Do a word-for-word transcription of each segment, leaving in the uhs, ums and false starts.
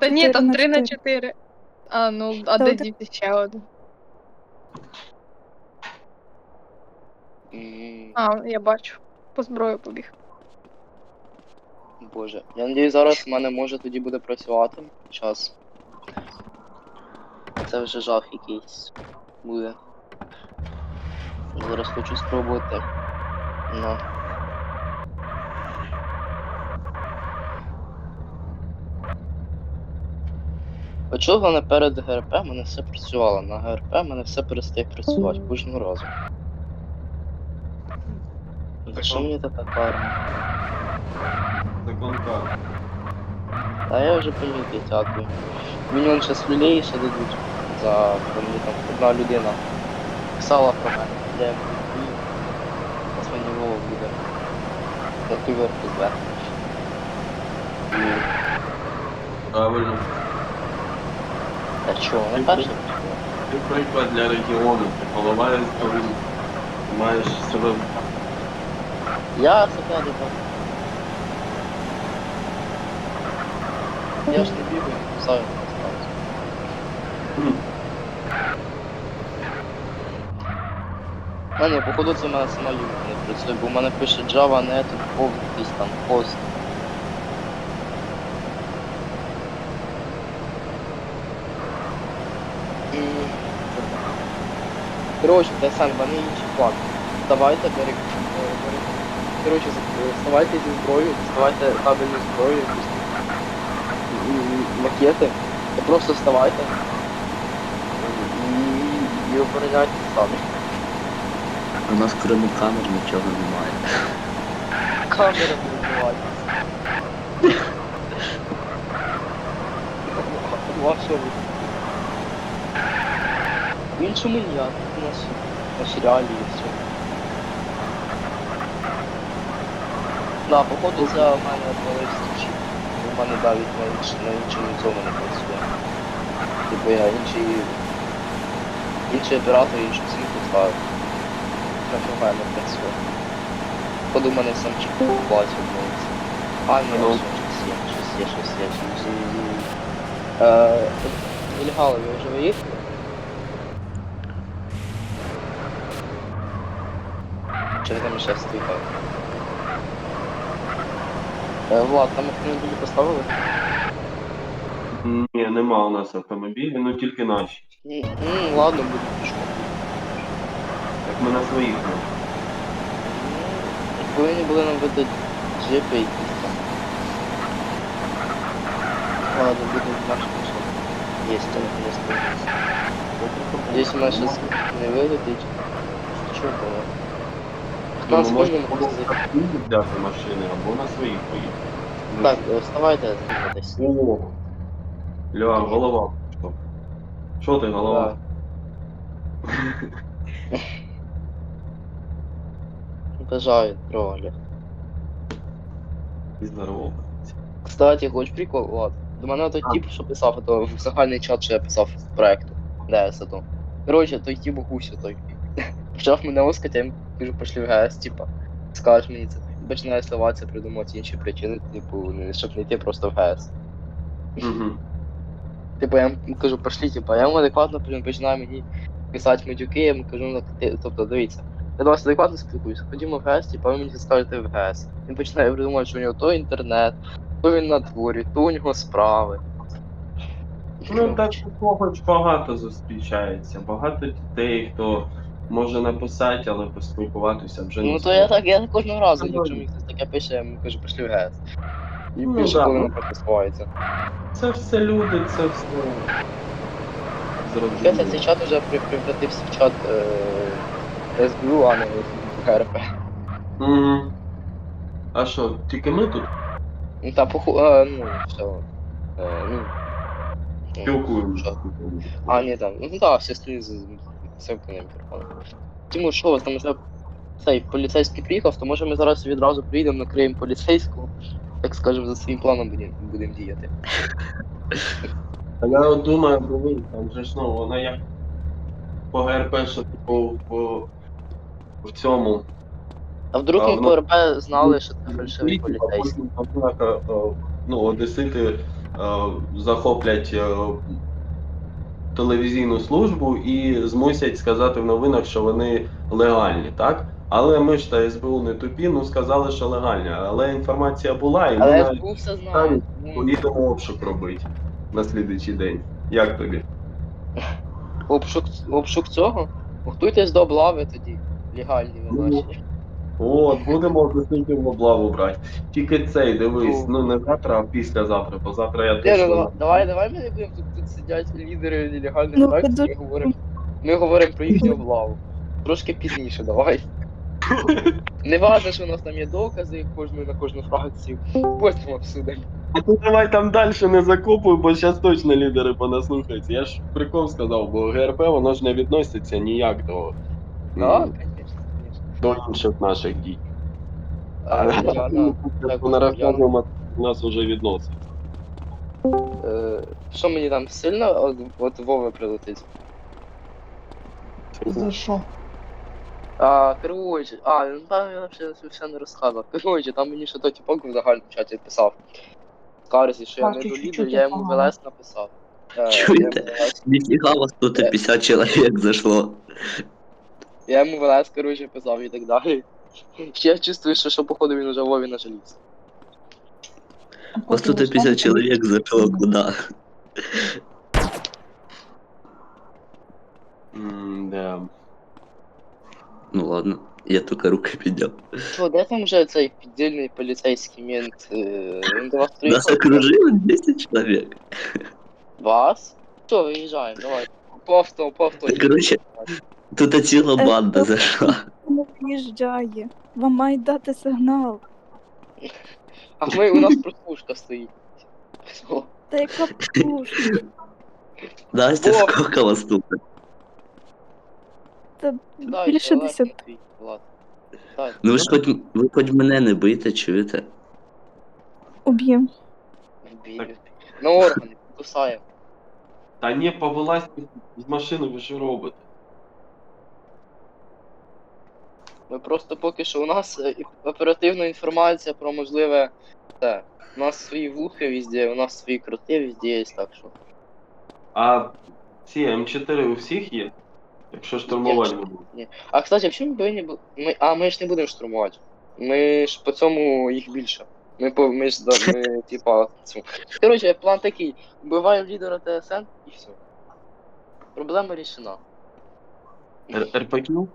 Та ні, чотири там на три на чотири. чотири. А, ну, а Та де один- діти ще один? М, А, я бачу. По зброю побіг. Боже. Я надію, зараз в мене може тоді буде працювати. Час. Це вже жах якийсь буде. Зараз хочу спробувати. Ну. А чого головне перед ГРП в мене все працювало? На ГРП в мене все перестає працювати кожного разу. За що мені така карма? Закон карти. А я вже помітив, дякую. Мені он щас люлей ще дадуть за що мені там одна людина писала про мене, де я буду. Зараз мені Вова буде. За ту верху зверху. Правильно. Та чого, не перше? Ти приклад для регіону. Ти голова коли маєш себе. Я себе не так. Я ж не бігаю, не кусаю, не ставлюся. Хм. А ні, походу це в мене сама юка не працює, бо в мене пише Java, не тут повний якийсь там пост. М. Коротше, та сам, в мене інший план. Вставайте, бери, е, бери. Коротше, з- е, вставайте зі зброєю, вставайте табельну зброю, якусь м, м, макети. І просто вставайте і, і обороняйте самі. У нас крім камер нічого немає. Камера не вбивається. Ваша ви. В іншому ніяк, у нас наші реалії і все. Да, походу це в мене відвалився чіп. У мене навіть на іншому на іншому цьому не працює. Типу я інший інший оператор, іншу сім поставив. Нафіга не працює. Походу в мене сам чіп бачив відвалився. А, ні, Ну. щось є, щось є, щось є, щось є. Е, Ільгало, ви вже виїхали? Чи ви там ще стоїте? Е, Влад, там автомобілі поставили? Ні, нема у нас автомобілів, ну тільки наші. М, м, ладно, буду пішком. Як ми на своїх. ну. М, Повинні були нам видати джипи якісь там. Ладно, буду наш пішов. Есть там, не стоїть. Здесь у нас сейчас не вилетить. Що було? Хто нас Ну, може можна не було пустити? взяти машини або на своїх поїхати. Так, е, вставайте десь. О, Ля, голова. Що? Що ти, голова? Бажаю тролі. І здорово. Кстати, хоч прикол, Влад. До мене той А. тип, що писав, то в загальний чат, що я писав з проекту. Де це то. Коротше, той тип гусю той. Почав мене оскати, я йому кажу, пошли в ГС, типа. Скажеш мені це. І починає сливатися, придумати інші причини, типу, не- щоб не йти просто в ГС. Угу. Типу, я йому кажу, пошли, типа, я йому адекватно блін, починаю мені писати матюки, я йому кажу, ну, ти, тобто, дивіться. Я до вас адекватно спілкуюся, ходімо в ГС, типа, ви мені скажете в ГС. Він починає придумати, що у нього то інтернет, то він на дворі, то у нього справи. Ну, так такого ж багато зустрічається. Багато дітей, хто може написати, але поспілкуватися вже не Ну то я зможе. так, я кожного разу, Ну, якщо мені хтось таке пише, я йому кажу, пішли в ГЕС. І Ну, більше да, половина ну. просто сховається. Це все люди, це все Хоча цей зрозуміло. чат вже при- превратився в чат е, СБУ, а не ГРП. Угу. А що, тільки ми тут Ну та поху... Е, ну, все. Е, ну, ну, спілкуємося? що? А, ні, там, ну так, всі стоїть з цим мікрофоном. Тимур, що у вас там вже цей поліцейський приїхав, то може ми зараз відразу приїдемо, накриємо поліцейського, так скажемо, за своїм планом будемо будем діяти. А я от думаю, блин, там же ж ну, вона як по ГРП, що типу в, в цьому. А вдруг А, ми ну, по РП знали, що це фальшивий Світі, а поліцейський? потім, однако, е, ну, одесити захоплять е, телевізійну службу і змусять сказати в новинах, що вони легальні, так? Але ми ж та ес бе у не тупі, ну сказали, що легальні. Але інформація була, і ми Але навіть ес бе у все знає. Ну, поїдемо обшук робити на слідуючий день. Як тобі? обшук, обшук цього? Готуйтесь до облави тоді. Легальні ви Ну, наші. От, будемо десятів облаву брати. Тільки цей, дивись, Ну. ну не завтра, а післязавтра, бо завтра я Ні, ну точно... давай, давай, давай ми не будемо тут, тут сидять лідери нелегальних Ну, фракцій, дуже- ми говоримо. Ми говоримо про їхню облаву. Трошки пізніше, давай. Не важно, що у нас там є докази кожної на кожну фракцію. Потім обсудимо. А ти давай там далі не закопуй, бо зараз точно лідери понаслухаються. Я ж прикол сказав, бо ге ер пе воно ж не відноситься ніяк до, Так, м, звісно, звісно. до інших наших дій. А, я на- так, Вона я- розказуємо, у нас вже відноситься. Е, Що мені там сильно от, от Вови прилетить? За що? А, короче, а, ну там я ще все не розказував. Короче, там мені ще той типок в загальному чаті писав. Скарзі, що я Так, не чуть-чуть долідер, я йому в погано. ЛС написав. Е, Чуєте? Я йому в ЛС Нифига у вас тут пятьдесят человек зашло. Я йому в ЛС, короче, писав і так далі. Я чувствую, що, що походу він уже Вові нажалівся. У вас тут пятьдесят человек зашло куда? М, Да. Ну ладно, я только рукой поднял. Що, де там вже цей піддільний поліцейський мент? Е, Він до вас Нас приїхав? окружило двести человек. Вас? Що, виїжджаємо, давай. По авто, по авто. Та, короче, Тут ціла Е, банда то- зайшла. Не виїжджає. Вам мають дати сигнал. А ми, у нас прослушка стоїть. Все. Та яка пушка. Настя, О! сколько вас тут? Та Дай, більше давай, десяти. твій, Влад. Дай. Ну ви ж хоч, ви хоч мене не бийте, чуєте? Уб'єм. Вбій, вбій. На органи, кусаємо. Та ні, повелась з машини, ви що робите? Ми просто поки що у нас е, і- оперативна інформація про можливе те. У нас свої вухи везде, у нас свої кроти везде є, так що. А ці ем чотири у всіх є? Якщо штурмувати будуть. А кстати, а чому ми повинні бу- ми. А ми ж не будемо штурмувати. Ми ж по цьому їх більше. Ми по ми ж да, ми типа цю. Коротше, план такий. Вбиваємо лідера Те Ес Ен і все. Проблема рішена. Р- ер пе кю?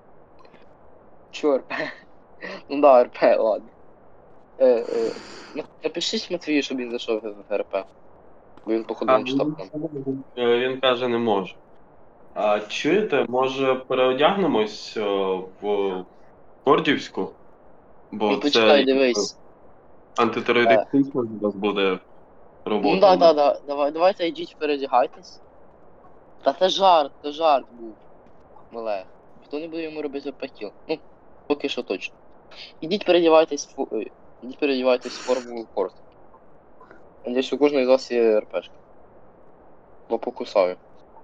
Чо РП? Ну да, РП, ладно. Е, е, на- напишіть Матвію, щоб він зайшов в РП. Бо він походу не читав там. Е, Він каже, не може. А чуєте, може переодягнемось е, в Кордівську? Бо Ну почекай, це дивись. антитерористична зараз буде робота. Ну да, да, да. Давай, давайте йдіть передягайтесь. Та це жарт, це жарт був. Мале. Хто не буде йому робити пакіл? Ну, поки що точно. Ідіть передівайтесь в фу- е, ідіть передівайтесь в форму корт. Надіюсь, у кожної з вас є РПшка. Бо покусаю.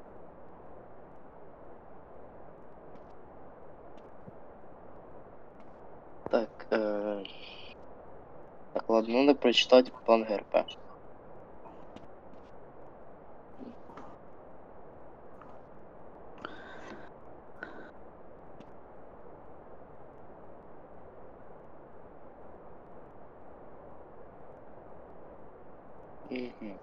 Так, е... Так, ладно, надо прочитать план ГРП. Мгм.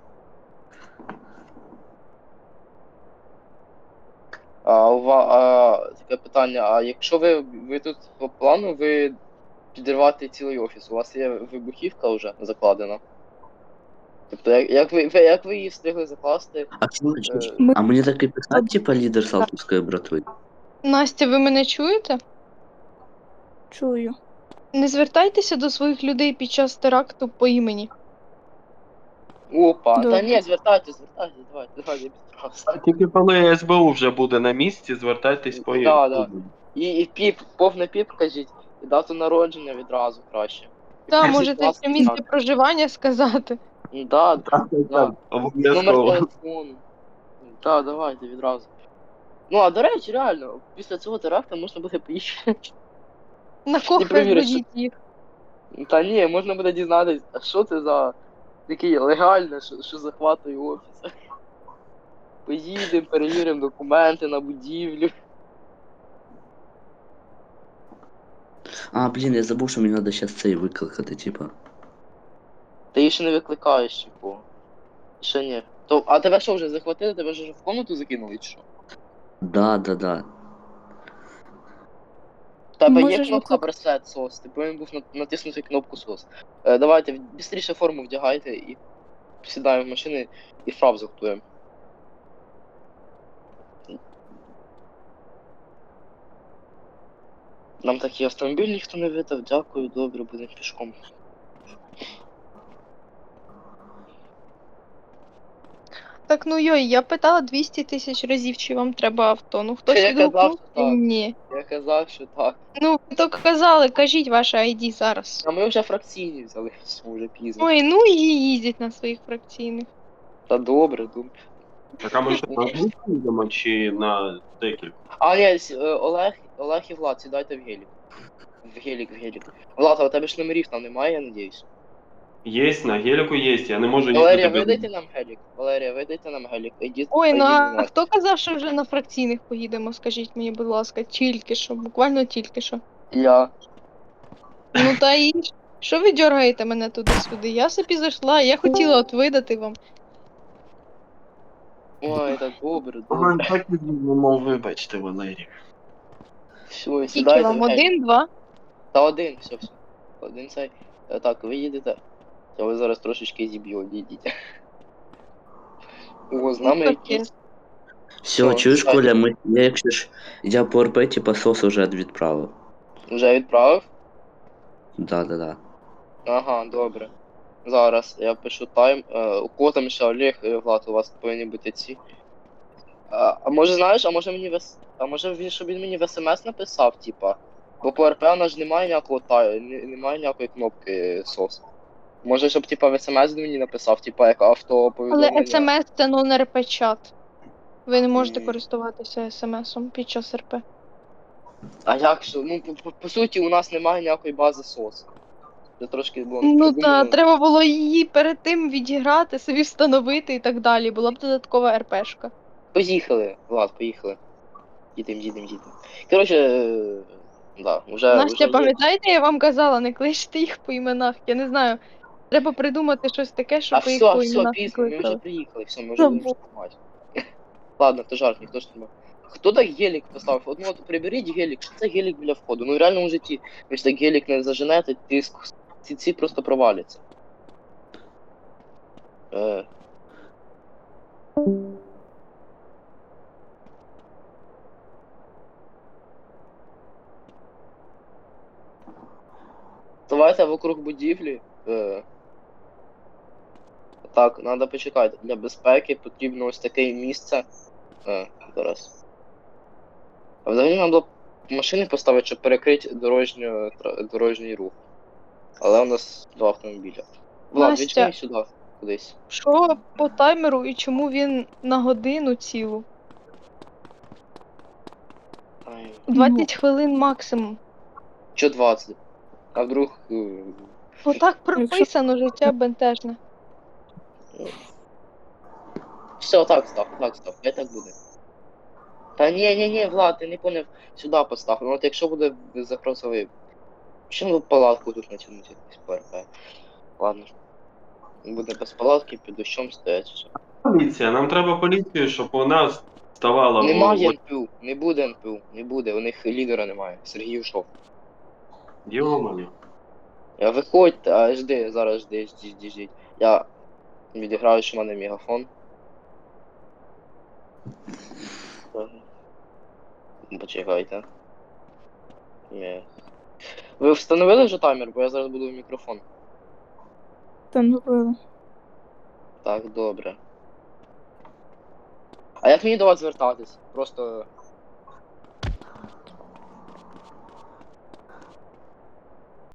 А у вас а, таке питання, а якщо ви, ви тут по плану ви підірвати цілий офіс, у вас є вибухівка вже закладена? Тобто як, як, ви, ви- як ви її встигли закласти? А слушай, Е, а мені так і писати, типа лідер Салтовської братви? Настя, ви мене чуєте? Чую. Не звертайтеся до своїх людей під час теракту по імені. Опа, та Добре. ні, звертайтесь, звертайтесь, давайте, давайте, я підправся. Тільки коли ес бе у вже буде на місці, звертайтесь по Да, да. І, і піп, повне піп кажіть, і дату народження відразу краще. Та, Десять можете класів ще місце так. проживання сказати. Ну, Да, да, да. Номер Обов'язково. телефону. Так, давайте відразу. Ну, а до речі, реально, після цього теракту можна буде поїхати. На кого перевіриш, розводіть їх. Та ні, можна буде дізнатися, а що це за Такий легально, що, що захватує офіс. Поїдемо, перевіримо документи на будівлю. А, блін, я забув, що мені треба зараз цей викликати, типа. Ти її ще не викликаєш, типу. Ще ні. То, а тебе що вже захватили? Тебе вже в комнату закинули чи що? Да, да, да. В тебе є Можеш кнопка виклик- браслет сос, ти повинен був на- натиснути кнопку сос. Е, давайте, бістріше форму вдягайте і сідаємо в машини і фрап захтуємо. Нам такий автомобіль ніхто не видав, дякую, добре, будемо пішком. Так, ну йой, я питала двісті тисяч разів, чи вам треба авто. Ну хтось Я казав, відгукнув, що так. ні. Я казав, що так. Ну, ви то казали, кажіть ваше ай ді зараз. А ми вже фракційні взяли, все, вже пізно. Ой, ну і їздять на своїх фракційних. Та добре, добре. Так, а ми що, на одну їдемо чи на декілька? А, ні, с- е, Олег, Олег і Влад, сідайте в гелік. В гелік, в гелік. Влад, а у тебе ж номерів там немає, я надіюсь. Єсть, на геліку єсть, я не можу Валерія, їздити. без- видайте нам гелік. Валерія, видайте нам гелік. Ідіть, Ой, ну ідіть а до нас. хто казав, що вже на фракційних поїдемо, скажіть мені, будь ласка, тільки що, буквально тільки що. Я. Ну та і що ви дергаєте мене туди-сюди? Я собі зайшла, я хотіла от видати вам. Ой, так добре, Ага, добре. так і ну, вибачте, Валерій. Все, Скільки сідайте в вам? гелік. Один, два? Та один, все, все. Один цей. Е, Так, ви їдете. Я ви зараз трошечки зіб'ю, відійдіть. О, з Ну, нами таке. якісь. Все, О, чуєш, кстати. Коля, ми, я якщо ж, я по РП, типа, сос уже відправив. Вже відправив? Да, да, да. Ага, добре. Зараз я пишу тайм. Е, у кого там ще Олег і Влад, у вас повинні бути ці. А, а може знаєш, а може мені в С- а може він, щоб він мені в смс написав, типа. Бо по РП у нас ж немає ніякого тай, не- немає ніякої кнопки сос. Може, щоб типа в смс мені написав, типа як авто повідомлення. Але смс це non ар пі чат. Ви не можете Ні. користуватися смс-ом під час РП. А як що? Ну, по, по, по суті, у нас немає ніякої бази сос. Це трошки було Ну та придумано. треба було її перед тим відіграти, собі встановити і так далі. Була б додаткова РПшка. Поїхали, Влад, поїхали. Їдем, їдем, їдем. Коротше, е, да, вже. Настя, вже є. пам'ятаєте, я вам казала, не кличте їх по іменах. Я не знаю. Треба придумати щось таке, А щоб ви їх все, по все, іменах пізно, ми вже кликали. приїхали, все, ми вже Забув. будемо штурмувати. Ладно, то жарт, ніхто ж не. Хто так гелік поставив? От, ну, от приберіть гелік, що це гелік біля входу. Ну в реальному житті, ви ж так гелік не заженете, тиск, ці, ці просто проваляться. Е. Давайте вокруг будівлі. Е. Так, треба почекати. Для безпеки потрібно ось таке місце. Е, зараз. А взагалі нам було машини поставити, щоб перекрити дорожню, тра- дорожній рух. Але у нас два автомобіля. Влад, Настя. відчини сюди кудись. Що по таймеру і чому він на годину цілу? Ай, двадцять хвилин максимум. Що двадцять? А вдруг. е, Отак прописано життя бентежне. Все, так став, так став, хай так буде. Та ні, ні, ні, Влад, ти не поняв, сюди постав. Ну от якщо буде запросовий. Чому палатку тут натягнути якусь ПРП? Ладно. Буде без палатки, під дощом стоять. Все. Поліція, нам треба поліцію, щоб вона ставала в- Немає в- ен пі у, не буде ен пі у, не буде, у них лідера немає. Сергій ушов. Йо-моє. Я виходьте, а жди, зараз жди, жди, жди, жди. Я відіграю, що в мене мегафон. Так. Почекайте. Ні. Ви встановили вже таймер, бо я зараз буду в мікрофон. Встановили. Так, добре. А як мені до вас звертатись? Просто